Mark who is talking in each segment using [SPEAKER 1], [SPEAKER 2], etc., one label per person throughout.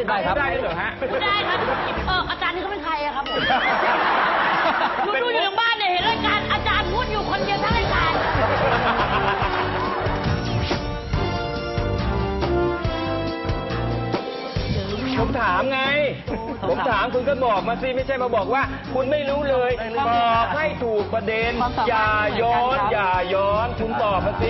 [SPEAKER 1] ได้ครับ
[SPEAKER 2] ได้เหรอฮะ
[SPEAKER 3] ได้ครับอาจารย์นี่เขาเป็นใครอะครับผมดูอยู่ทางบ้านเนี่ยเห็นรายการอาจารย์พูดอยู่คนเดียวทั้งรายการ
[SPEAKER 2] ผมถามไงผมถามคุณก็บอกมาสิไม่ใช่มาบอกว่าคุณไม่รู้เลยบอกให้ถูกประเด็นอย่าย้อนคุณตอบมาสิ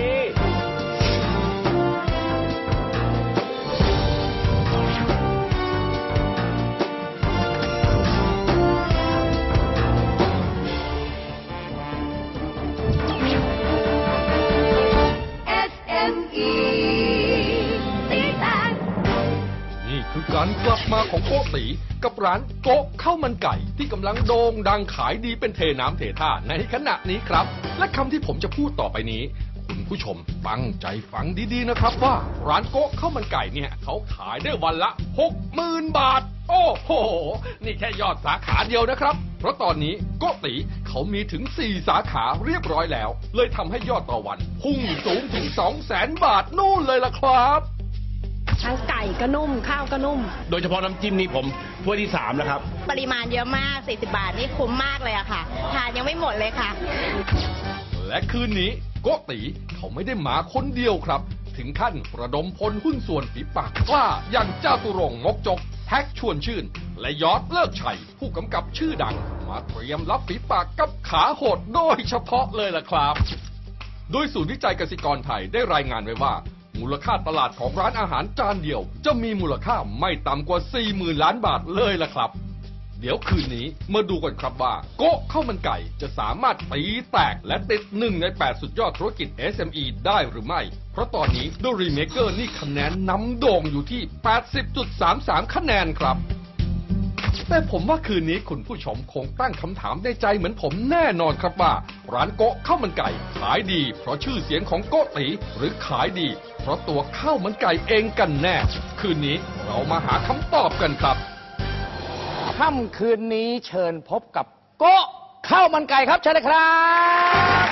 [SPEAKER 4] นี่คือการกลับมาของโกติกับร้านโก๊ะข้าวมันไก่ที่กำลังโด่งดังขายดีเป็นเทน้ำเทท่าในขณะนี้ครับ และคำที่ผมจะพูดต่อไปนี้คุณผู้ชมตั้งใจฟังดีๆนะครับว่าร้านโก๊ะข้าวมันไก่เนี่ยเขาขายได้วันละ 60,000 บาท โอ้โหนี่แค่ยอดสาขาเดียวนะครับ เพราะตอนนี้โกติเขามีถึง 4 สาขาเรียบร้อยแล้วเลยทำให้ยอดต่อวันพุ่งสูงถึง 200,000 บาทนู่นเลยล่ะครับ
[SPEAKER 5] ทั้งไก่ก็นุ่มข้าวก็นุ่ม
[SPEAKER 2] โดยเฉพาะน้ำจิ้มนี่ผมถ้วยที่3แล้วครับ
[SPEAKER 6] ปริมาณเยอะมาก40 บาทนี่คุ้มมากเลยอะค่ะทานยังไม่หมดเลยค่ะ
[SPEAKER 4] และคืนนี้โกติเขาไม่ได้มาคนเดียวครับ ถึงขั้นระดมพลหุ้นส่วนฝีปากกล้าอย่างเจ้าตุรงค์มกจกแท็กชวนชื่น และยอดเลิกชัยผู้กำกับชื่อดังมาเตรียมรับฝีปากกับขาโหดโดยเฉพาะเลยล่ะครับ โดยศูนย์วิจัยเกษตรกรไทยได้รายงานไว้ว่ามูลค่าตลาดของร้านอาหารจานเดียวจะมีมูลค่าไม่ต่ำกว่า 40,000 ล้านบาทเลยล่ะครับ เดี๋ยวคืนนี้มาดูกันครับว่าโก๊ะข้าวมันไก่จะสามารถตีแตกและติด1 ใน 8 สุดยอดธุรกิจ SME ได้หรือไม่ เพราะตอนนี้ The Remaker นี่คะแนนนำโด่งอยู่ที่ 80.33 คะแนนครับแต่ผมว่าคืนนี้คุณผู้ชมคงตั้งคำถามในใจเหมือนผมแน่นอนครับว่าร้านโก๊ะข้าวมันไก่ขายดีเพราะชื่อเสียงของโกติหรือขายดีเพราะตัวข้าวมันไก่เองกันแน่คืนนี้เรามาหาคำตอบกันครับ
[SPEAKER 1] ค่ำคืนนี้เชิญพบกับโก๊ะข้าวมันไก่ครับเชิญเลยครับ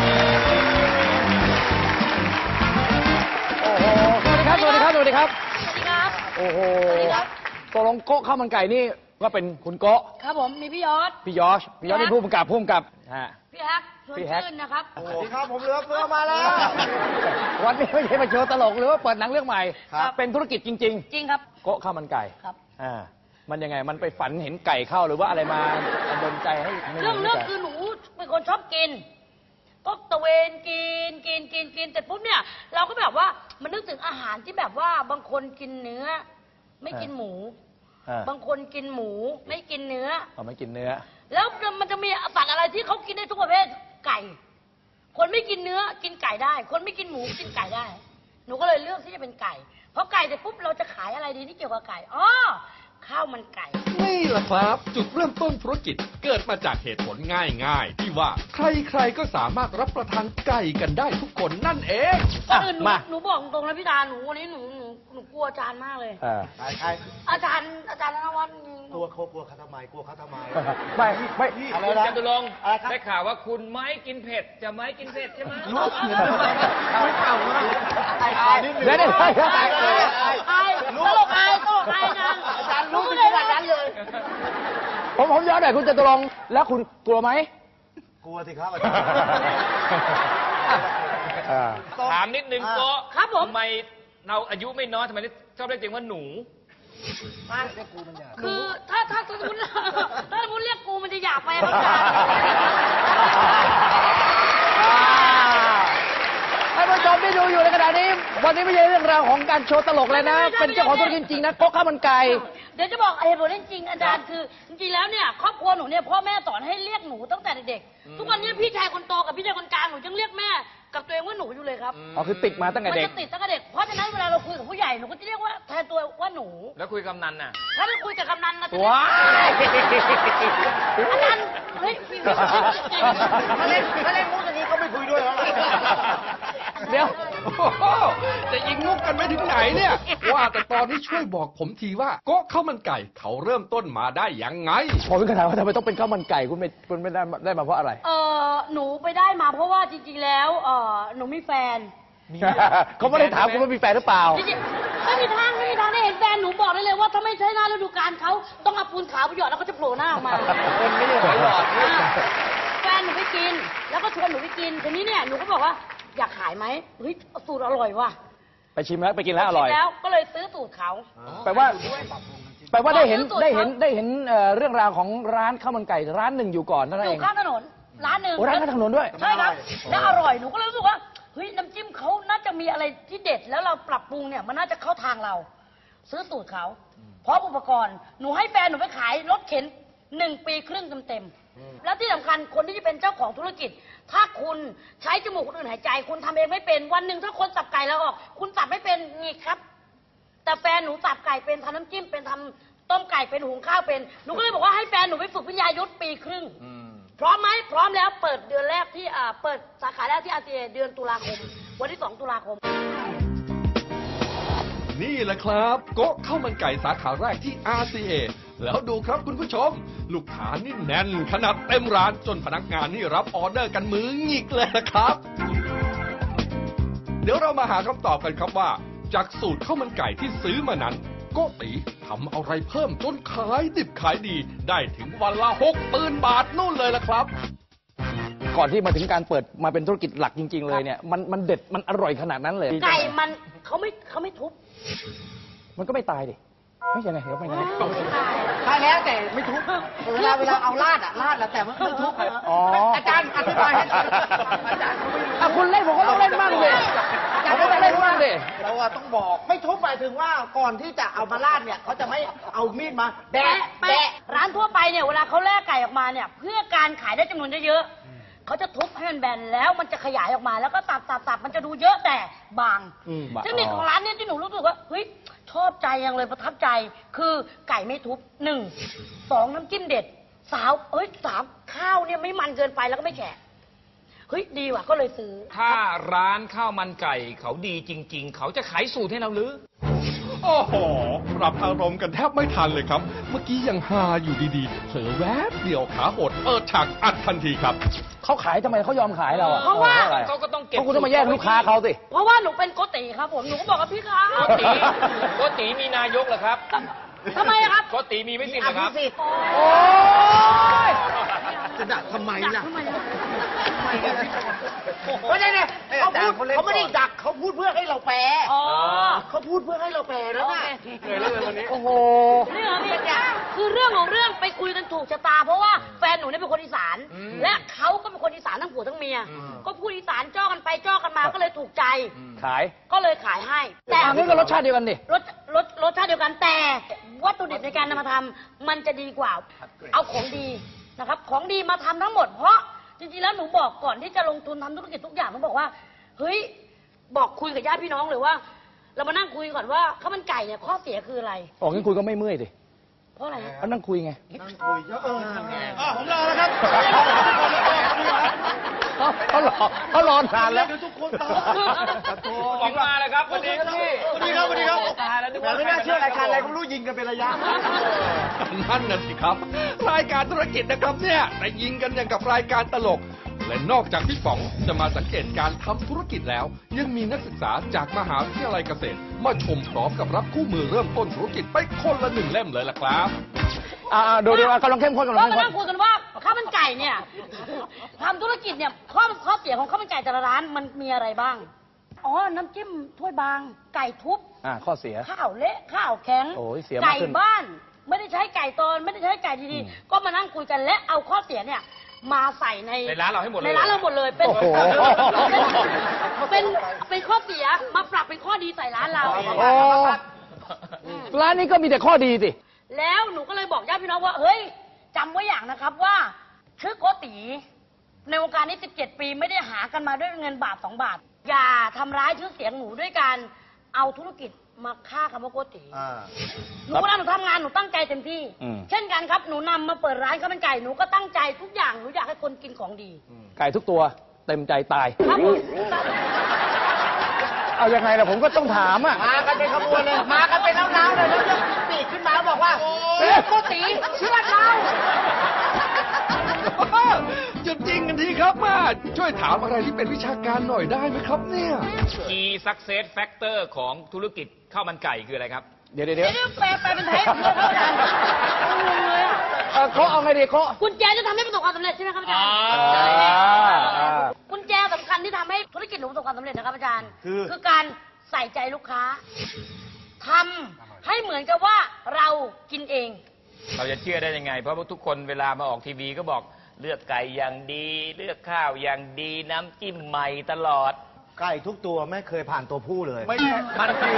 [SPEAKER 1] โอ้โหสวัสดีครับสวัสดีครับสวัสดีครับโอ้โหตกลงโก๊ะข้าวมันไก่นี่ก็เป็นคุณโก๊ะ
[SPEAKER 3] ครับผมมีพี่ยอด
[SPEAKER 1] พี่ยอชเป็นผู้กำกับ
[SPEAKER 3] พี่แฮกชวนชื่นนะครับ
[SPEAKER 7] โอ้โหครับผมเหลือเฟือมาแล้ว
[SPEAKER 1] วันนี้ไม่ใช่มาโชว์ตลกหรือว่าเปิดหนังเรื่องใหม่เป็นธุรกิจจริง
[SPEAKER 3] จริงครับ
[SPEAKER 1] โก๊ะข้าวมันไก่
[SPEAKER 3] ครับ
[SPEAKER 1] มันยังไงมันไปฝันเห็นไก่เข้าหรือว่าอะไรมาดลใจให้
[SPEAKER 3] เรื่องคือหนูเป็นคนชอบกินก็ตะเวนกินแต่ปุ๊บเนี่ยเราก็แบบว่ามันนึกถึงอาหารที่แบบว่าบางคนกินเนื้อไม่กินหมูบางคนกินหมูไม่กินเนื้อ
[SPEAKER 1] ไม่กินเนื้อ
[SPEAKER 3] แล้วมันจะมีสัตว์อะไรที่เขากินได้ทุกประเภทไก่คนไม่กินเนื้อกินไก่ได้คนไม่กินหมูกินไก่ได้หนูก็เลยเลือกที่จะเป็นไก่เพราะไก่เสร็จปุ๊บเราจะขายอะไรดีที่เกี่ยวกับไก่ข้าวมันไก่
[SPEAKER 4] นี่แหละครับจุดเริ่มต้นธุรกิจเกิดมาจากเหตุผลง่ายๆที่ว่าใครๆก็สามารถรับประทานไก่กันได้ทุกคนนั่นเอง
[SPEAKER 3] หนูบอกตรงนะพี่ตาหนูวันนี้หนูกลัวอาจารย์มากเลย
[SPEAKER 7] ใคร
[SPEAKER 3] อาจารย์ธนวัฒน์
[SPEAKER 7] กลัวเขาทำไม
[SPEAKER 1] ไม่
[SPEAKER 7] อะไร
[SPEAKER 2] นะจตุรงค์
[SPEAKER 7] ได้
[SPEAKER 2] ข่าวว่าคุณไม่กินเผ็ดจะไม่กินเผ็ดใช่ไหม
[SPEAKER 7] ลูกไม่เข่านะ
[SPEAKER 1] เดี๋ยว
[SPEAKER 3] ตลกอายนะ
[SPEAKER 7] อาจารย์รู้ขนาดนั้นเลย
[SPEAKER 1] ผมย้อนหน่อยคุณจตุรงค์แล้วคุณกลัวไหม
[SPEAKER 7] กลัวสิครับอาจารย์
[SPEAKER 2] ถามนิดนึงโก๊ะ
[SPEAKER 3] ครับผม
[SPEAKER 2] ทำไมเราอายุไม่น้อยทำไมชอบเรียกตัวเองว่าหนู
[SPEAKER 3] คือถ้าสมมติเรียกกูมันจะหยาบไปครับอาจารย์
[SPEAKER 1] ท่านผู้ชมที่ดูอยู่ในขณะนี้วันนี้ไม่ใช่เรื่องราวของการโชว์ตลกเลยนะเป็นเจ้าของธุรกิจจริงนะโก๊ะข้าวมันไก่
[SPEAKER 3] เดี๋ยวจะบอกเหตุผลจริงอาจารย์คือจริงๆแล้วเนี่ยครอบครัวหนูเนี่ยพ่อแม่สอนให้เรียกหนูตั้งแต่เด็กๆทุกวันนี้พี่ชายคนโตกับพี่ชายคนกลางหนูยังเรียกแม่กับตัวเองว่าหนูอยู่เลยครับ
[SPEAKER 1] คือติดมาตั้งแต่เด็ก
[SPEAKER 3] มันจะติดตั้งแต่เด็กเพราะฉะนั้นเวลาเราคุยกับผู้ใหญ่หนูก็จะเรียกว่าแทนตัวว่าหนู
[SPEAKER 2] แล้วคุยกำนันน่ะ
[SPEAKER 3] ถ้าเราคุยกับกำนันนะ
[SPEAKER 1] ว้า
[SPEAKER 3] อาจารย์เฮ้ย
[SPEAKER 7] ถ้าเล่นมุกอย่างนี้ก็ไม่คุยด้วยแล้ว
[SPEAKER 1] เดี๋ยว
[SPEAKER 4] จะยิงมุกกันไม่ถึงไหนเนี่ยว่าแต่ตอนนี้ช่วยบอกผมทีว่าโก๊ะข้าวมันไก่เขาเริ่มต้นมาได้ยังไง
[SPEAKER 1] ผมเป็นคำถามว่าทำไมต้องเป็นข้าวมันไก่คุณไม่ได้มาเพราะอะไร
[SPEAKER 3] หนูไปได้มาเพราะว่าจริงๆแล้วหนูมีแฟน
[SPEAKER 1] เขาไม่ได้ถามคุณว่ามีแฟนหรือเปล่า
[SPEAKER 3] ไม่มีทางได้เห็นแฟนหนูบอกได้เลยว่าถ้าไม่ใช่หน้าฤดูกาลเขาต้องเอาปูนขาวไปหยอดแล้วเขาจะโผล่หน้าออกมา
[SPEAKER 7] คนไม่ใช่หอยหลอดนี่
[SPEAKER 3] แฟนหนูไปกิน แล้วก็ชวนหนูไปกินทีนี้เนี่ยหนูก็บอกว่าอยากขายไหมเฮ้ยสูตรอร่อยว่ะ
[SPEAKER 1] ไปชิมแล้วไปกินแล้วอร่อย
[SPEAKER 3] แล้วก็เลยซื้อสูตรเขา
[SPEAKER 1] แปลว่าได้เห็น
[SPEAKER 3] ขอซื้อสูตร
[SPEAKER 1] ได้เห็นเรื่องราวของร้านข้าวมันไก่ร้านหนึ่งอยู่ก่อนนั่น
[SPEAKER 3] อ
[SPEAKER 1] เอยู่ ง
[SPEAKER 3] ข้างถนนร้านหนึ่ง
[SPEAKER 1] โอ้ร้านข้างถนนด้วย
[SPEAKER 3] ใช่ครับแล้วอร่อยหนูก็เลยรู้สึกว่าเฮ้ยน้ำจิ้มเขาน่าจะมีอะไรที่เด็ดแล้วเราปรับปรุงเนี่ยมันน่าจะเข้าทางเรา ซื้อสูตรเขาพร้อมอุปกรณ์หนูให้แฟนหนูไปขายรถเข็น1 ปีครึ่งเต็มๆแล้วที่สำคัญคนที่จะเป็นเจ้าของธุรกิจ ถ้าคุณใช้จมูกคนอื่นหายใจ คุณทำเองไม่เป็นวันหนึ่งถ้าคนสับไก่แล้วออก คุณสับไม่เป็นงีกครับ แต่แฟนหนูสับไก่เป็นทำน้ำจิ้มเป็นทำต้มไก่เป็นหุงข้าวเป็นหนูก็เลยบอกว่าให้แฟนหนูไปฝึกวิทยายุทธ1 ปีครึ่งพร้อมไหมพร้อมแล้วเปิดเดือนแรกที่เปิดสาขาแรกที่ RCA เดือนตุลาคมวันที่2 ตุลาคม
[SPEAKER 4] นี่แหละครับโก๊ะข้าวมันไก่สาขาแรกที่ RCA แล้วดูครับคุณผู้ชม ลูกค้านี่แน่นขนาดเต็มร้านจนพนักงานนี่รับออเดอร์กันมือหงิกเลยนะครับ เดี๋ยวเรามาหาคำตอบกันครับว่า จากสูตรข้าวมันไก่ที่ซื้อมานั้นโกติทำอะไรเพิ่มจนขายดิบขายดี ได้ถึงวันละ60,000 บาทนู่นเลยล่ะครับ
[SPEAKER 1] ก่อนที่มาถึงการเปิดมาเป็นธุรกิจหลักจริง ๆ เลยเนี่ยมันเด็ดมันอร่อยขนาดนั้นเลย
[SPEAKER 3] ไก่มันเขาไม่ทุบ
[SPEAKER 1] มันก็ไม่ตายดิไม่ใช่ไงเดี๋ยวไม่ไง
[SPEAKER 7] ใช่แล้วแต่ไม่ทุบเวลาเอาลาดแล้วแต่ไม่ทุบ
[SPEAKER 1] อ๋อ
[SPEAKER 7] อาจารย์อธิบายให้อาจารย์เขาไม่รู้
[SPEAKER 1] อ่ะคุณเล่นผมก็ต้องเล่นบ้างดิผมก็ต้องเล่นบ้างดิ
[SPEAKER 7] เราอะต้องบอกไม่ทุบหมายถึงว่าก่อนที่จะเอามาลาดเนี่ยเขาจะไม่เอามีดมาแบะ
[SPEAKER 3] แปะร้านทั่วไปเนี่ยเวลาเขาแลกไก่ออกมาเนี่ยเพื่อการขายได้จำนวนเยอะๆเขาจะทุบให้มันแบนแล้วมันจะขยายออกมาแล้วก็ตับมันจะดูเยอะแต่บางเทคนิคของร้านเนี่ยที่หนูรู้สึกว่าเฮ้ยชอบใจยังเลยประทับใจคือไก่ไม่ทุบ1 2น้ำจิ้มเด็ด3ข้าวเนี่ยไม่มันเกินไปแล้วก็ไม่แฉะเฮ้ยดีว่ะก็เลยซื้อ
[SPEAKER 2] ถ้าร้านข้าวมันไก่เขาดีจริง ๆ เขาจะขายสูตรให้เราหรือ
[SPEAKER 4] โอ้โหปรับอารมณ์กันแทบไม่ทันเลยครับ เมื่อกี้ยังฮาอยู่ดีๆเผลอแวบเดียวขาหดเปิดฉากอัดทันทีครับ
[SPEAKER 1] เขาขายทำไมเขายอมขายเราอ่ะ
[SPEAKER 3] เพราะว่า
[SPEAKER 1] อะไร
[SPEAKER 2] เขาก็ต้องเก็บ
[SPEAKER 1] เพราะคุณต้องมาแย่งลูกค้าเขาสิ
[SPEAKER 3] เพราะว่าหนูเป็นโกติครับผมหนูก็บอกกับพี่ครับ
[SPEAKER 2] โกติมีนายกเหรอครับ
[SPEAKER 3] ทำไมอะครับ
[SPEAKER 2] โกติมีไม่สิทธิ์เหรอครับ
[SPEAKER 1] โอ้ย
[SPEAKER 7] จะดักทำไมล่ะ
[SPEAKER 3] ทำไมอะ
[SPEAKER 7] ไม่ได้เนี่ยเขาไม่ได้ดักเขาพูดเพื่อให้เราแปล
[SPEAKER 3] อ๋อ
[SPEAKER 7] เขาพูดเพื่อให้เราแปลแล้วนะ
[SPEAKER 2] เหนื่อยเลยวันนี้
[SPEAKER 1] โอ้โห
[SPEAKER 3] นี่เหรอพี่คือเรื่องของเรื่องไปคุยกันถูกชะตา เพราะว่าแฟนหนูเนี่ยเป็นคนอีสาน และเขาก็เป็นคนอีสานทั้งผัวทั้งเมีย ก็พูดอีสานจ้อกันไปจ้อกันมาก็เลยถูกใจ
[SPEAKER 1] ขาย
[SPEAKER 3] ก็เลยขายให้ แต่
[SPEAKER 1] อันนี้ก็รสชาติเดียวกันดิ
[SPEAKER 3] รสชาติเดียวกันแต่วัตถุดิบในการนำมาทำมันจะดีกว่า เอาของดีนะครับ ของดีมาทำทั้งหมด เพราะจริงๆแล้วหนูบอกก่อนที่จะลงทุนทำธุรกิจทุกอย่างหนูบอกว่าเฮ้ยบอกคุยกับญาติพี่น้องเลยว่า เรามานั่งคุยก่อนว่าข้าวมันไก่เนี่ยข้อเสียคืออะไร
[SPEAKER 1] ออกงั้นคุยก็ไม่เมื่อยดิ
[SPEAKER 3] เพราะอะไรฮะ
[SPEAKER 1] เขานั่งคุยไง
[SPEAKER 7] ผมรอแล้วครับ
[SPEAKER 1] เขารอนานแล้ว
[SPEAKER 7] ทุกคนตอบ
[SPEAKER 2] หวังมาเลยครับวันนี้
[SPEAKER 7] สวัสดีครับสวัสดีครับ
[SPEAKER 2] ตายแล้วนึก
[SPEAKER 7] แต่
[SPEAKER 2] ว่า
[SPEAKER 7] ไม่น่าเชื่อรายการอะไรก็ไม่รู้ยิงกันเป็นระยะ
[SPEAKER 4] นั่นน่ะสิครับ รายการธุรกิจนะครับเนี่ยแต่ยิงกันอย่างกับรายการตลก และนอกจากพี่ป๋องจะมาสังเกตการทำธุรกิจแล้ว ยังมีนักศึกษาจากมหาวิทยาลัยเกษตร มาชมพร้อมกับรับคู่มือเริ่มต้นธุรกิจไปคนละ1 เล่มเลยล่ะครับ
[SPEAKER 1] ดูกำลังเข้มข้นกำลัง
[SPEAKER 3] เรา
[SPEAKER 1] เข้ม
[SPEAKER 3] มา
[SPEAKER 1] ข้
[SPEAKER 3] นั่
[SPEAKER 1] น
[SPEAKER 3] งคุยกันว่าข้าวมันไก่เนี่ยทำธุรกิจเนี่ยข้อเสียของข้าวมันไก่แต่ละร้านมันมีอะไรบ้าง อ๋อ น้ำจิ้มถ้วยบาง ไก่ทุบ
[SPEAKER 1] ข้อเสีย
[SPEAKER 3] ข้าวเละข้าวแข็ง
[SPEAKER 1] โอ้ยเสียมาก
[SPEAKER 3] ไก่
[SPEAKER 1] ขึ้น
[SPEAKER 3] บ้าน ไม่ได้ใช้ไก่ตอนไม่ได้ใช้ไก่ดีๆก็มานั่งคุยกันและเอาข้อเสียเนี่ยมาใส่ใน
[SPEAKER 2] ในร้านเราให้หมดเลย
[SPEAKER 3] ในร้านเราหมดเลยเป็น
[SPEAKER 1] โอ้โห
[SPEAKER 3] เป็นข้อเสียมาปรับเป็นข้อดีใส่ร้านเรา
[SPEAKER 1] โอ้ร้านนี้ก็มีแต่ข้อดีสิ
[SPEAKER 3] แล้วหนูก็เลยบอกญาติพี่น้องว่าเฮ้ยจำไว้อย่างนะครับว่าชื่อโกติในวงการนี้17 ปีไม่ได้หากันมาด้วยเงินบาท2 บาท อย่าทำร้ายชื่อเสียงหนูด้วยการเอาธุรกิจมาฆ่าคำว่าโกติหนูเวลาหนูทำงานหนูตั้งใจเต็มที่ เช่นกันครับหนูนำมาเปิดร้านข้าวมันไก่หนูก็ตั้งใจทุกอย่างหนูอยากให้คนกินของดี
[SPEAKER 1] ไก่ทุกตัวเต็มใจตาย
[SPEAKER 3] ครับผม
[SPEAKER 1] เอายังไงล่ะผมก็ต้องถามอ่ะ
[SPEAKER 7] มากันเป็นขบวนเลย มากันเป็นน้าวๆเลยแล้วยกปีกขึ้นมาบอกว่าเชื่อโกติเชื่อเรา
[SPEAKER 4] จะริงๆกันทีครับมาช่วยถามอะไรที่เป็นวิชาการหน่อยได้ไหมครับเนี่ย
[SPEAKER 2] Key Success Factor ของธุรกิจข้าวมันไก่คืออะไรครับ
[SPEAKER 1] เดี๋ยว
[SPEAKER 3] เดี๋ยวแปลเป็นไทยเพื่อเขาอาจารย์งงเลยอะ
[SPEAKER 1] เขาเอาไงดีเขา
[SPEAKER 3] กุญแจจะทำให้ประสบความสำเร็จใช่ไหมครับอาจารย์ กุญแจสำคัญที่ทำให้ธุรกิจหนูประสบความสำเร็จนะครับอาจารย์คือการใส่ใจลูกค้าทำให้เหมือนกับว่าเรากินเอง
[SPEAKER 2] เราจะเชื่อได้ยังไง เพราะว่าทุกคนเวลามาออกทีวีก็บอกเลือกไก่อย่างดี เลือกข้าวอย่างดีน้ำจิ้มใหม่ตลอด
[SPEAKER 7] ไก่ทุกตัวไม่เคยผ่านตัวผู้เลย
[SPEAKER 2] ไม่ใช่มันคือ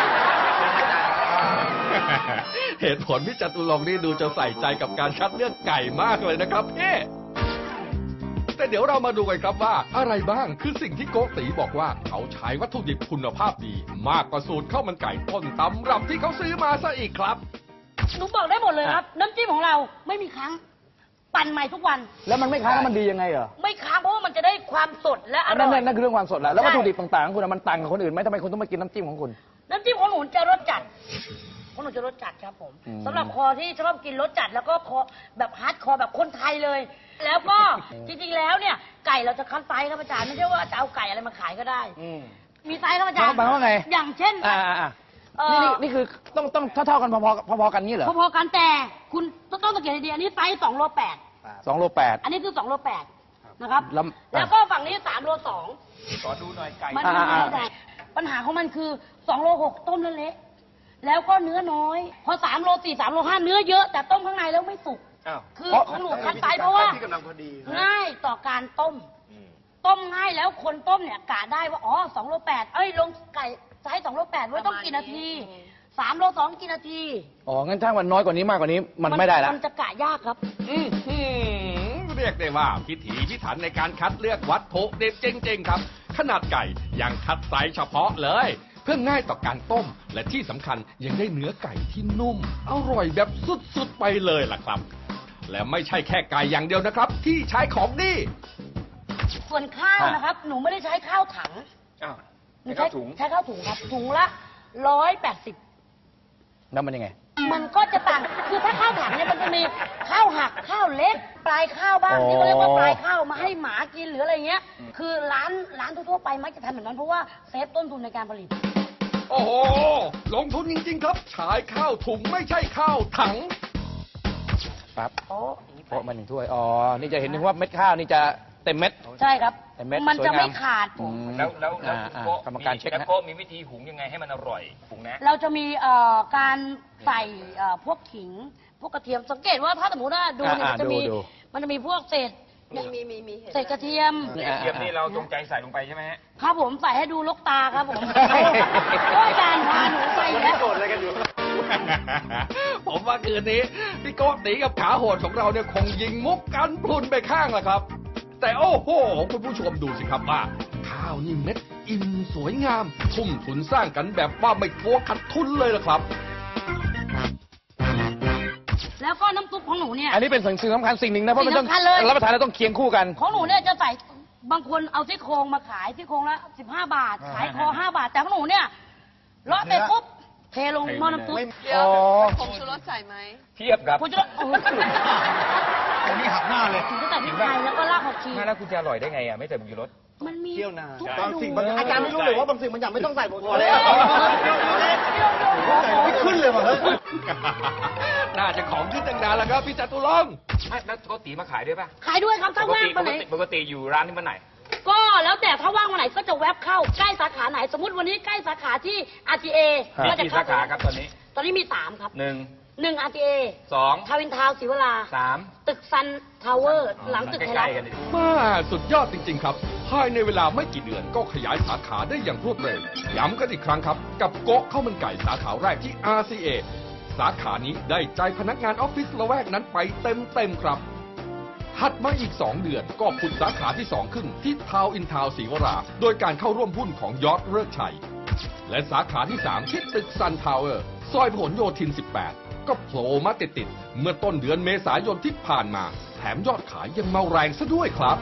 [SPEAKER 4] เหตุผลพี่จตุรงค์นี่ดูจะใส่ใจกับการคัดเลือกไก่มากเลยนะครับพี่แต่เดี๋ยวเรามาดูกันครับว่าอะไรบ้างคือสิ่งที่โกติบอกว่าเขาใช้วัตถุดิบคุณภาพดี มากกว่าสูตรข้าวมันไก่ต้นตำรับที่เขาซื้อมาซะอีกครับ
[SPEAKER 3] หนูบอกได้หมดเลยครับ น้ำจิ้มของเราไม่มีค้างปั่นใหม่ทุกวัน
[SPEAKER 1] แล้วมันไม่ค้างแล้วมันดียังไงเหรอ
[SPEAKER 3] ไม่ค้างเพราะว่ามันจะได้ความสดและอร่
[SPEAKER 1] นั่
[SPEAKER 3] อน ย
[SPEAKER 1] นั่นคือเรื่องความสดแล้ววัตถุดิบต่างๆของคุณมันต่างกับคนอื่นไหมทำไมคุณต้องมากินน้ำจิ้มของคุณ
[SPEAKER 3] น้ำจิ้มของหนูจะรสจัดของหนูจะรสจัดครับผม
[SPEAKER 1] อืม
[SPEAKER 3] สำหรับคอที่ชอบกินรสจัดแล้วก็คอแบบฮาร์ดคอร์แบบคนไทยเลย แล้วก็จริงๆแล้วเนี่ยไก่เราจะคัดไซส์ครับอาจารย์ไม่ใช่ว่าจะเอาไก่อะไรมาขายก็ได้ มีไซส์ครับอาจารย์
[SPEAKER 1] หมายความว่าไง
[SPEAKER 3] อย่างเช่น
[SPEAKER 1] นี่คือต้องเท่ากันพอๆกันนี่เหรอ
[SPEAKER 3] พอๆกันแต่คุณต้องสังเกตให้ดีอันนี้ไซส์2 โล 8
[SPEAKER 1] 2 โล 8
[SPEAKER 3] อันนี้คือ2 โล 8นะครับ
[SPEAKER 1] แล้ว
[SPEAKER 3] แล้วก็ฝั่งนี้3 โล 2
[SPEAKER 2] ขอดูหน่อยไก่
[SPEAKER 3] มันไม่ได้ปัญหาของมันคือ2 โล 6 ต้มแล้วเละแล้วก็เนื้อน้อย พอ3 โล 4 3 โล 5 เนื้อเยอะแต่ต้มข้างในแล้วไม่สุก
[SPEAKER 2] อ้าว
[SPEAKER 3] คือของหนูคัดไซส์เพราะว่าง่ายต่อการต้ม ต้มง่ายแล้วคนต้มเนี่ยกะได้ว่าอ๋อ2 โล 8เอ้ยลงไก่ไซส์2 โล 8ไว้ต้องกี่นาที3 โล 2กี่นาที
[SPEAKER 1] อ๋อ งั้นถ้ามันน้อยกว่านี้มากกว่านี้มันไม่ได้ละ
[SPEAKER 3] มันจะกะยากครับ
[SPEAKER 4] เรียกได้ว่าพิถีพิถันในการคัดเลือกวัตถุดิบจริงๆครับ ขนาดไก่ยังคัดไซส์เฉพาะเลย เพื่อง่ายต่อการต้ม และที่สำคัญยังได้เนื้อไก่ที่นุ่ม อร่อยแบบสุดๆไปเลยล่ะครับ และไม่ใช่แค่ไก่อย่างเดียวนะครับ ที่ใช้ของดี
[SPEAKER 3] ส่วนข้าวนะครับ หนูไม่ได้ใช้ข้าวถัง
[SPEAKER 2] อ้าว
[SPEAKER 3] หนู
[SPEAKER 2] ข้าวถุง
[SPEAKER 3] ใช้ข้าวถุงครับ ถุงละ180
[SPEAKER 1] แล้วมันยังไง
[SPEAKER 3] มันก็จะต่าง คือถ้าข้าวถังเนี่ยมันจะมีข้าวหักข้าวเล็ก ปลายข้าวบ้างที่เขาเรียกว่าปลายข้าวมาให้หมากินหรืออะไรเงี้ย คือร้านทั่วๆไปมักจะทำแบบนั้นเพราะว่าเซฟต้นทุนในการผลิต
[SPEAKER 4] โอ้โห ลงทุนจริงๆครับใช้ข้าวถุงไม่ใช่ข้าวถัง
[SPEAKER 1] ปั๊บโปะมา1 ถ้วย อ๋อ นี่จะเห็นถึงว่าเม็ดข้าวนี่จะเต็มเม็ด
[SPEAKER 3] ใช่ครับ
[SPEAKER 1] แต่เม็ด
[SPEAKER 3] มันจะไม่
[SPEAKER 1] สวยงาม
[SPEAKER 3] ขาด
[SPEAKER 1] อืม
[SPEAKER 2] แล้วคุณ
[SPEAKER 1] อ่า
[SPEAKER 2] โก้
[SPEAKER 1] กรรมการเช็ค
[SPEAKER 2] แล้ว
[SPEAKER 1] นะ
[SPEAKER 2] โก้มีวิธีหุงยังไงให้มันอร่อยหุงนะ
[SPEAKER 3] เราจะมีการใส่พวกขิง พวกกระเทียม สังเกตว่าถ้าสมมติว่าดูเนี่ยมันจะมี
[SPEAKER 1] ดู
[SPEAKER 3] มันจะมีพวกเศษเศษกระเทียม
[SPEAKER 2] กระเทียมนี่เราจงใจใส่ลงไปใช่ไหมฮะ
[SPEAKER 3] ครับผมใส่ให้ดูลกตาครับผมก็อาจารย์พาหนูไปแล้ว
[SPEAKER 4] ผมว่าคืนนี้พี่โก้ตีกับขาโหดของเราเนี่ยคงยิงมุกกันพลุนไปข้างละครับ แต่โอ้โห คุณผู้ชมดูสิครับว่า ข้าวนี่เม็ดอิ่มสวยงาม ทุ่มทุนสร้างกันแบบว่าไม่กลัวขาดทุนเลยล่ะครับ
[SPEAKER 3] แล้วก็น้ำซุปของหนูเนี่ย
[SPEAKER 1] อันนี้เป็นสิ่งสำคัญสิ่งหนึ่งนะ เพราะมันต้อง
[SPEAKER 3] สิ่งสำคัญเลย
[SPEAKER 1] รับประทานแล้วต้องเคียงคู่กัน
[SPEAKER 3] ของหนูเนี่ยจะใส่บางคนเอาซี่โครงมาขายซี่โครงละ15 บาท ขายคอ5 บาท แต่ของหนูเนี่ยเลาะเสร็จปุ๊บเทลงหม้อน้ำซุป
[SPEAKER 1] อ๋อ
[SPEAKER 2] เทียบกับ
[SPEAKER 3] คุณจะโอ้โห
[SPEAKER 7] อันนี้หักหน้าเลย
[SPEAKER 3] ถึงจะใส่พริกไทยแล้วก็รากผักชี
[SPEAKER 2] แล้วคุณจะอร่อยได้ไงอ่ะไม่ใส่ผงชูรส
[SPEAKER 3] มันมี
[SPEAKER 7] เที่ยวนา
[SPEAKER 3] ทุก
[SPEAKER 7] บาง
[SPEAKER 3] เมนู
[SPEAKER 7] สิ่งบางอาจารย์ไม่รู้เลยว่าบางสิ่งบางอย่างไม่ต้องใส่ผงชูรส
[SPEAKER 3] เอ
[SPEAKER 7] เลย
[SPEAKER 3] อ
[SPEAKER 7] ใส่ไม่ขึ้นเลยว่ะเฮ้ย
[SPEAKER 4] น่าจะของขึ้นตั้งนานแล้วครับพี่จตุรงค์
[SPEAKER 2] แล้วโกติมาขายด้วยป่ะ
[SPEAKER 3] ขายด้วยครับถ้าว่างวันไหน
[SPEAKER 2] ปกติอยู่ร้านที่มันไหน
[SPEAKER 3] ก็แล้วแต่ถ้าว่างวันไหนก็จะแวบเข้าใกล้สาขาไหน สมมติวันนี้ใกล้สาขาที่ RTA
[SPEAKER 2] มี
[SPEAKER 3] ก็จะ
[SPEAKER 2] กี่
[SPEAKER 3] เข้า
[SPEAKER 2] สาขาครับตอนนี้
[SPEAKER 3] ตอนนี้มี 3 ครับ
[SPEAKER 2] 1
[SPEAKER 3] 1 RTA
[SPEAKER 2] 2
[SPEAKER 3] ทาวินทาวน์ศรีวรา
[SPEAKER 2] 3
[SPEAKER 3] ตึกซันทาวเวอร์ หลังตึกไทยรัฐ
[SPEAKER 2] ใกล้ๆกันดิ
[SPEAKER 4] มาสุดยอดจริง ๆ ครับ ภายในเวลาไม่กี่เดือนก็ขยายสาขาได้อย่างรวดเร็ว ย้ำกันอีกครั้งครับ กับโก๊ะข้าวมันไก่สาขาแรกที่ RCA สาขานี้ได้ใจพนักงานออฟฟิศละแวกนั้นไปเต็มๆครับ ถัดมาอีก 2 เดือนก็ผุดสาขาที่ 2 ขึ้นที่ทาวน์อินทาวน์ศรีวรา โดยการเข้าร่วมหุ้นของยอดเลิกชัย และสาขาที่ 3 ที่ตึกซันทาวเวอร์ ซอยพหลโยธิน 18 ก็โผล่มาติดๆเมื่อต้นเดือนเมษายนที่ผ่านมา แถมยอดขายยังมาแรงซะด้วยครับ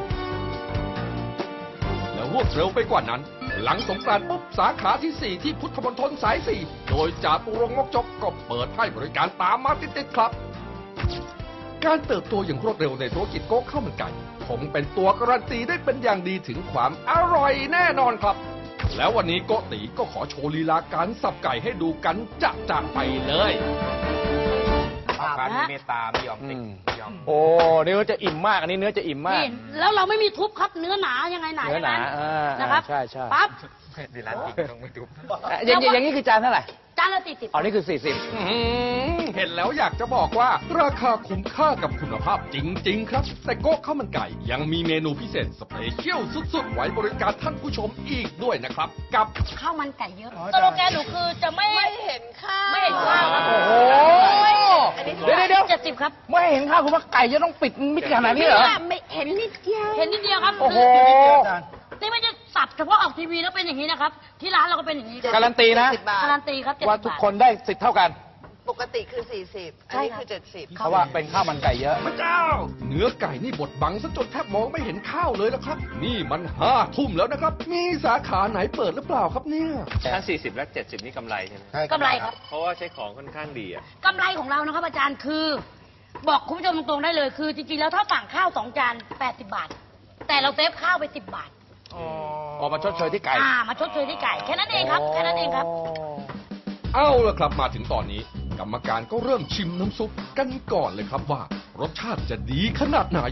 [SPEAKER 4] แล้วรวดเร็วไปกว่านั้น หลังสงกรานต์ปุ๊บสาขาที่ 4 ที่พุทธมณฑลสาย 4 โดยจาตุรงค์มกจกก็เปิดให้บริการตามมาติดๆครับ การเติบโตอย่างรวดเร็วในธุรกิจโก๊กข้าวมันไก่ ขงเป็นตัวการันตีได้เป็นอย่างดีถึงความอร่อยแน่นอนครับ แล้ววันนี้โกติก็ขอโชว์ลีลาการสับไก่ให้ดูกันจะไปเลย
[SPEAKER 2] การมีเมตตาไม่ยอมติดไม่ยอม
[SPEAKER 1] โอ้เนื้อจะอิ่มมาก อันนี้เนื้อจะอิ่มมาก
[SPEAKER 3] นี่แล้วเราไม่มีทุบครับเนื้อหนายังไงหนา
[SPEAKER 1] เนื้อหนา
[SPEAKER 3] นะครับ
[SPEAKER 1] ใช่ใช่
[SPEAKER 3] ปั๊บ
[SPEAKER 2] ดีร้านจริงต้องไม่ดู
[SPEAKER 1] อย่างนี้คือจานเท่าไหร่
[SPEAKER 3] จานละ40
[SPEAKER 1] อ๋อนี่คือ
[SPEAKER 4] เห็นแล้วอยากจะบอกว่าราคาคุ้มค่ากับคุณภาพจริง ๆ ครับ แต่โก๊ะข้าวมันไก่ยังมีเมนูพิเศษสเปเชียลสุดๆ ไว้บริการท่านผู้ชมอีกด้วยนะครับ กับ
[SPEAKER 3] ข้าวมันไก่เยอะสโลแกนหนูคือจะไม่เห็นข้าวไม่เห็นข้าวครับ
[SPEAKER 1] โอ้โหเดี๋ยว
[SPEAKER 3] 70 ครับ
[SPEAKER 1] ไม่เห็นข้าวคุณว่าไก่จะต้องปิดมิดขนาดนี้เหรอ
[SPEAKER 6] ไม่เห็นนิดเดียว
[SPEAKER 3] เห็นนิดเดียวครับ
[SPEAKER 1] โอ้โห
[SPEAKER 3] นี่ไม่ใช่สับเฉพาะออกทีวีแล้วเป็นอย่างนี้นะครับ ที่ร้านเราก็เป็นอย่างนี้ครับ
[SPEAKER 1] การันตีนะ
[SPEAKER 3] การันตีครับ70
[SPEAKER 1] ว่าทุกคนได้สิทธิ์เท่ากัน
[SPEAKER 8] ปกติคือ 40 อันนี้คือ 70
[SPEAKER 1] เพราะว่าเป็นข้าวมันไก่เยอะ
[SPEAKER 4] พระเจ้า เนื้อไก่นี่บดบังซะจนแทบมองไม่เห็นข้าวเลยละครับ นี่มัน5 ทุ่มแล้วนะครับ มีสาขาไหนเปิดหรือเปล่าครับเนี่ย
[SPEAKER 2] ถ้า40 และ 70 นี่กำไรใช่ไหม
[SPEAKER 3] กำไรครับ
[SPEAKER 2] เพราะว่าใช้ของค่อนข้างดีอ่ะ
[SPEAKER 3] กำไรของเรานะครับอาจารย์คือ บอกคุณผู้ชมตรงๆได้เลยคือ จริงๆแล้วถ้าสั่งข้าว2 จาน80 บาท แต่เราเซฟข้าวไป10 บาท
[SPEAKER 1] ออกมาชดเชยที่ไก่
[SPEAKER 3] มาชดเชยที่ไก่แค่นั้นเองครับแค่นั้นเองครับ
[SPEAKER 4] เอาละครับมาถึงตอนนี้ กรรมการก็เริ่มชิมน้ำซุปกันก่อนเลยครับว่า รสชาติจะดีขนาดไหน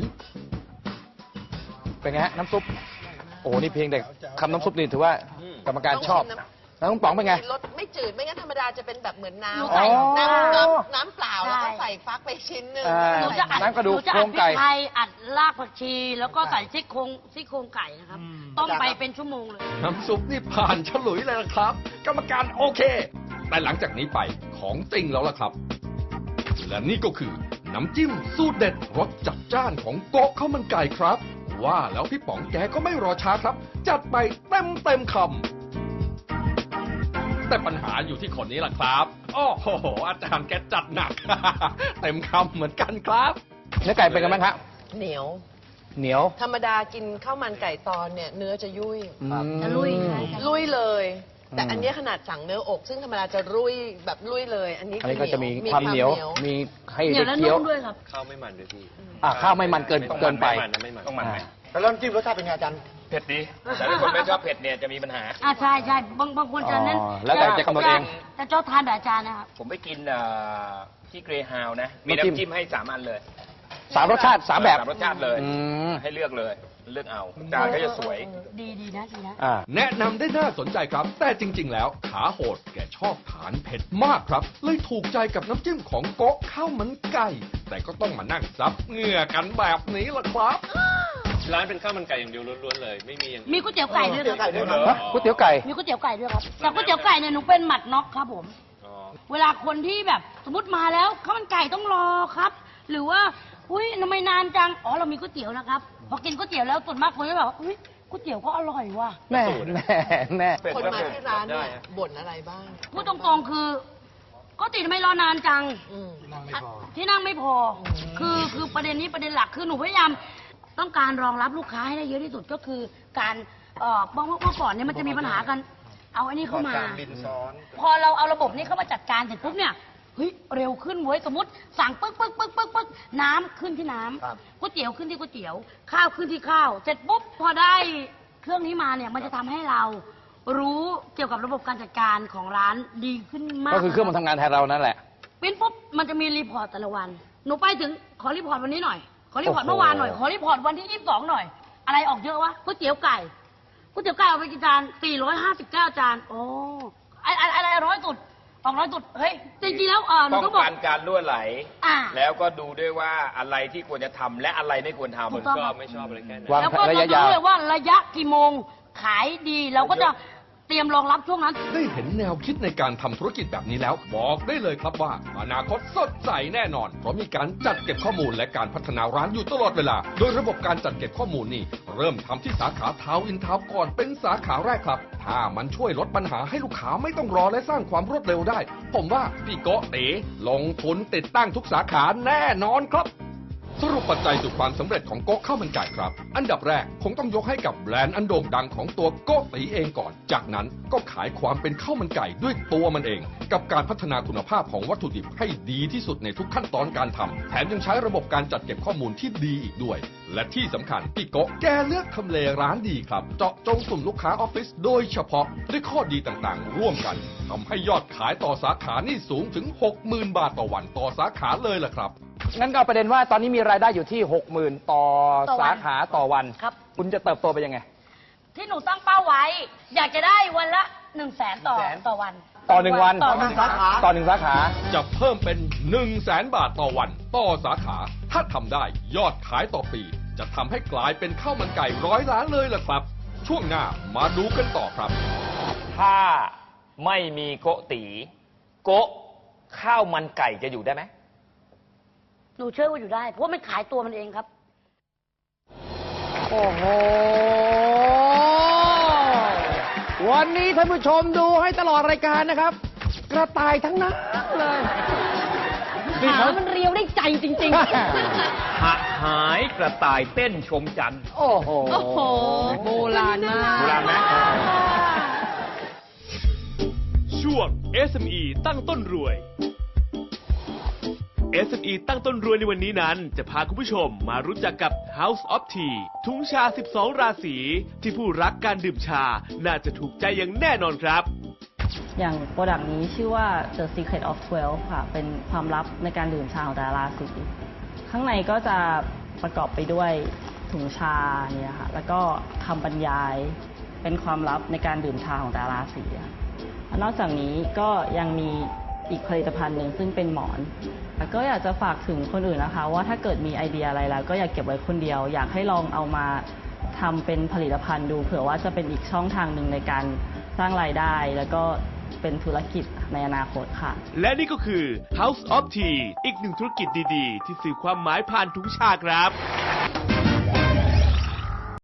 [SPEAKER 1] เป็นไงฮะน้ำซุป โอ้นี่เพียงแต่คำน้ำซุปนี่ถือว่ากรรมการชอบ แล้วต้องป๋องเป็นไง
[SPEAKER 8] รสไม่จืด ไม่งั้นธรรมดาจะเป็นแบบเหมือนน้
[SPEAKER 3] หนูใส่
[SPEAKER 8] ำน้ำ
[SPEAKER 3] อ๋อ
[SPEAKER 8] น้ำเปล่า แล้วก็ใส่ฟักไปชิ้นหนึ่ง
[SPEAKER 3] หนูจะอัด
[SPEAKER 1] น้ำกระดูก
[SPEAKER 3] หนูจะ
[SPEAKER 1] โคร
[SPEAKER 3] อัด
[SPEAKER 1] ง
[SPEAKER 3] พริ
[SPEAKER 1] ไก่
[SPEAKER 3] กไทยอัดรากผักชี แล้วก็ใส่ซี่โครงไก่นะครับต้มไปเป็นชั่วโมงเลย
[SPEAKER 4] น้ำซุปนี่ผ่านฉลุยเลยละครับ กรรมการโอเค แต่หลังจากนี้ไปของจริงแล้วล่ะครับ และนี่ก็คือน้ำจิ้มสูตรเด็ดรสจัดจ้านของโก๊ะข้าวมันไก่ครับ ว่าแล้วพี่ป๋องแกก็ไม่รอช้าครับ จัดไปเต็มคำแต่ปัญหาอยู่ที่คนนี้ล่ะครับโอ้โหอาจารย์แกจัดหนัก เต็มคำเหมือนกันครับ
[SPEAKER 1] เนื้อไก่เป็นกันไหมครับ
[SPEAKER 8] เหนียว
[SPEAKER 1] เหนียว
[SPEAKER 8] ธรรมดากินข้าวมันไก่ตอนเนี่ย เนื้อจะยุ่ย
[SPEAKER 3] จะลุย
[SPEAKER 8] ลุยเลย แต่
[SPEAKER 1] อืม
[SPEAKER 8] อันเนี้ยขนาดสั่งเนื้ออก ซึ่งธรรมดาจะลุยแบบลุยเลย อันนี้
[SPEAKER 1] อันนี้
[SPEAKER 8] คื
[SPEAKER 1] ก็
[SPEAKER 8] อ
[SPEAKER 1] จะมีความเหนียว มีให้
[SPEAKER 3] เหนียว
[SPEAKER 1] ได้
[SPEAKER 3] และ
[SPEAKER 1] เคี้ยว
[SPEAKER 3] นุ่มด้วยครับ
[SPEAKER 2] ข้าวไม่มันด้วยพี่
[SPEAKER 1] ข้าวไม่มันเกินไป
[SPEAKER 2] ไม่มันนะไม่มันต้องมันไหม
[SPEAKER 7] แล้วน้ำจิ้มรสชาติเป็นไงอาจารย์
[SPEAKER 2] เผ็ดดีแต่ถ้าคนไม่ชอบเผ็ดเนี่ยจะมีปัญหา
[SPEAKER 3] ใช่บางคนจะเน้น
[SPEAKER 1] อ๋อแล้วแต่จะกำหนดเอง
[SPEAKER 3] แต่ชอบทานแบบอาจารย์นะครับ
[SPEAKER 2] ผมไปกินที่เกรฮาวนะ มี
[SPEAKER 1] น้ำจิ้ม
[SPEAKER 2] น้ำจิ้มให้3 อันเลย
[SPEAKER 1] 3 รสชาติ 3 แบบ
[SPEAKER 2] 3 รสชาติเลย
[SPEAKER 1] อืม
[SPEAKER 2] ให้เลือกเลย เลือกเอาจานก็จะสวย
[SPEAKER 3] ดีนะดีนะ
[SPEAKER 4] แนะนำได้น่าสนใจครับ แต่จริง ๆ แล้วขาโหดแกชอบทานเผ็ดมากครับ เลยถูกใจกับน้ำจิ้มของโก๊ะข้าวมันไก่ แต่ก็ต้องมานั่งซับเหงื่อกันแบบนี้ล่ะครับ
[SPEAKER 2] ร้านเป็นข้าวมันไก่อย่างเดียวล้วนๆเลย ไม่มีอย่าง
[SPEAKER 3] มีก๋วยเตี๋ยวไก่ด้วยครับ
[SPEAKER 1] ฮะก๋วยเตี๋ยวไก่
[SPEAKER 3] มีก๋วยเตี๋ยวไก่ด้วยครับแต่ก๋วยเตี๋ยวไก่เนี่ยหนูเป็นหมัดน็อกครับผม
[SPEAKER 2] อ๋อ
[SPEAKER 3] เวลาคนที่แบบสมมติมาแล้วข้าวมันไก่ต้องรอครับ หรือว่าอุ้ยทำไมนานจังอ๋อเรามีก๋วยเตี๋ยวนะครับพอกินก๋วยเตี๋ยวแล้วส่วนมากคนจะแบบอุ้ยก๋วยเตี๋ยวก็อร่อยว่ะ
[SPEAKER 1] แน่แน่
[SPEAKER 8] คนมาที่ร้านเนี่ยบ่นอะไรบ้าง
[SPEAKER 3] พูดตรงๆคือก๋วยเตี๋ยวทำไมรอนานจัง
[SPEAKER 8] อืม
[SPEAKER 3] ที่นั่งไม่พอ คือประเด็นนี้ประเด็นหลักคือหนูพยายามต้องการรองรับลูกค้าให้ได้เยอะที่สุดก็คือการเมื่อก่อนเนี่ยมันจะมีปัญหากัน เอาไอ้นี่เข้ามา พอเราเอาระบบนี้เข้ามาจัดการเสร็จปุ๊บเนี่ยเฮ้ยเร็วขึ้นเว้ยสมมติสั่งปึ๊กน้ำขึ้นที่น้ำก๋วยเตี๋ยวขึ้นที่ก๋วยเตี๋ยว ข้าวขึ้นที่ข้าว เสร็จปุ๊บพอได้เครื่องนี้มาเนี่ยมันจะทำให้เรารู้เกี่ยวกับระบบการจัดการของร้านดีขึ้นมาก
[SPEAKER 1] ก็คือเครื่องมันทำงานแทนเรานั่นแหละ
[SPEAKER 3] ปิ้นปุ๊บมันจะมีรีพอร์ตแต่ละวัน หนูไปถึงขอรีพอร์ตวันนี้หน่อย ขอรีพอร์ต
[SPEAKER 1] โอ้โห
[SPEAKER 3] เมื่อวานหน่อย ขอรีพอร์ตวันที่ 22 หน่อย อะไรออกเยอะวะก๋วยเตี๋ยวไก่ก๋วยเตี๋ยวไก่เอาไปกี่จาน459 จานโอ้อะไรร้อยสุดออกร้อยสุดเฮ้ยจริงๆแล้วหนู
[SPEAKER 2] ป้อง
[SPEAKER 3] ต้องบอก
[SPEAKER 2] กันการรั่วไหล
[SPEAKER 3] อ่า
[SPEAKER 2] แล้วก็ดูด้วยว่าอะไรที่ควรจะทำและอะไรไม่ควรทำ
[SPEAKER 3] ถู
[SPEAKER 2] มัน
[SPEAKER 3] กต้อง
[SPEAKER 2] ชอ
[SPEAKER 3] ครับ บ
[SPEAKER 2] ไม่ชอบอะไรแค่นั้น
[SPEAKER 1] วาง
[SPEAKER 3] แล้วก็
[SPEAKER 1] ระ
[SPEAKER 3] เรา
[SPEAKER 1] ยะ
[SPEAKER 3] จะ
[SPEAKER 1] ยาว
[SPEAKER 3] รู้เลยว่าระยะกี่โมงขายดีเราก็จะเตรียมรองรับช่วงนั้น
[SPEAKER 4] ได้เห็นแนวคิดในการทำธุรกิจแบบนี้แล้ว บอกได้เลยครับว่า อนาคตสดใสแน่นอน เพราะมีการจัดเก็บข้อมูลและการพัฒนาร้านอยู่ตลอดเวลา โดยระบบการจัดเก็บข้อมูลนี่เริ่มทำที่สาขาทาวน์อินทาวน์ก่อนเป็นสาขาแรกครับ ถ้ามันช่วยลดปัญหาให้ลูกค้าไม่ต้องรอและสร้างความรวดเร็วได้ ผมว่าพี่โกะเต๋ลงทุนติดตั้งทุกสาขาแน่นอนครับสรุปปัจจัยสู่ความสำเร็จของโก๊ะข้าวมันไก่ครับ อันดับแรกคงต้องยกให้กับแบรนด์อันโด่งดังของตัวโก๊ะตีเองก่อน จากนั้นก็ขายความเป็นข้าวมันไก่ด้วยตัวมันเอง กับการพัฒนาคุณภาพของวัตถุดิบให้ดีที่สุดในทุกขั้นตอนการทำแถมยังใช้ระบบการจัดเก็บข้อมูลที่ดีอีกด้วย และที่สำคัญพี่โก๊ะแกเลือกทำเลร้านดีครับ เจาะจงกลุ่มลูกค้าออฟฟิศโดยเฉพาะด้วยข้อดีต่างๆ ร่วมกันทำให้ยอดขายต่อสาขานี่สูงถึง 60,000 บาทต่อวันต่อสาขาเลยล่ะครับ
[SPEAKER 1] งั้นก็เอาประเด็นว่าตอนนี้มีรายได้อยู่ที่ 60,000 ต่อ
[SPEAKER 3] ต่อวัน
[SPEAKER 1] สาขาต่อวัน
[SPEAKER 3] ครับ
[SPEAKER 1] คุณจะเติบโตไปยังไง
[SPEAKER 3] ที่หนูตั้งเป้าไว้ อยากจะได้วันละ100,000ต่อวัน
[SPEAKER 1] ต่อหนึ่งวัน
[SPEAKER 3] ต่อวัน
[SPEAKER 7] สาขา
[SPEAKER 1] ต่อหนึ่งสาขา
[SPEAKER 4] จะเพิ่มเป็น 100,000 บาทต่อวันต่อสาขา ถ้าทำได้ยอดขายต่อปี จะทำให้กลายเป็นข้าวมันไก่100 ล้านเลยล่ะครับ ช่วงหน้ามาดูกันต่อครับ
[SPEAKER 2] ถ้าไม่มีโกะตีโกะข้าวมันไก่จะอยู่ได้ไหม
[SPEAKER 3] หนูเชื่อว่าอยู่ได้ เพราะว่ามันขายตัวมันเองครับ
[SPEAKER 1] โอ้โห วันนี้ท่านผู้ชมดูให้ตลอดรายการนะครับ กระต่ายทั้งนั้นเลยนี่
[SPEAKER 5] ขา
[SPEAKER 1] เขา
[SPEAKER 5] มันเรียวได้ใจจริง
[SPEAKER 2] หายกระต่ายเต้นชมจันทร์
[SPEAKER 1] โอ้โห
[SPEAKER 5] ๆ โอ้โห โบราณมาก
[SPEAKER 2] โบราณไหม
[SPEAKER 9] ช่วง SME ตั้งต้นรวย SME ตั้งต้นรวยในวันนี้นั้น จะพาคุณผู้ชมมารู้จักกับ House of Tea ถุงชา 12 ราศีที่ผู้รักการดื่มชา น่าจะถูกใจอย่างแน่นอนครับ
[SPEAKER 10] อย่างโปรดักต์นี้ชื่อว่า The Secret of 12 ค่ะ เป็นความลับในการดื่มชาของแต่ละราศีข้างในก็จะประกอบไปด้วยถุงชาเนี่ยค่ะ แล้วก็คำบรรยายเป็นความลับในการดื่มชาของแต่ละราศีค่ะนอกจากนี้ก็ยังมีอีกผลิตภัณฑ์หนึ่งซึ่งเป็นหมอนแล้วก็อยากจะฝากถึงคนอื่นนะคะ ว่าถ้าเกิดมีไอเดียอะไรแล้วก็อย่าเก็บไว้คนเดียว อยากให้ลองเอามาทำเป็นผลิตภัณฑ์ดูเผื่อว่าจะเป็นอีกช่องทางหนึ่งในการสร้างรายได้ แล้วก็เป็นธุรกิจในอนาคตค่ะ
[SPEAKER 9] และนี่ก็คือ House of Tea อีกหนึ่งธุรกิจดีๆ ที่สื่อความหมายผ่านถุงชาครับ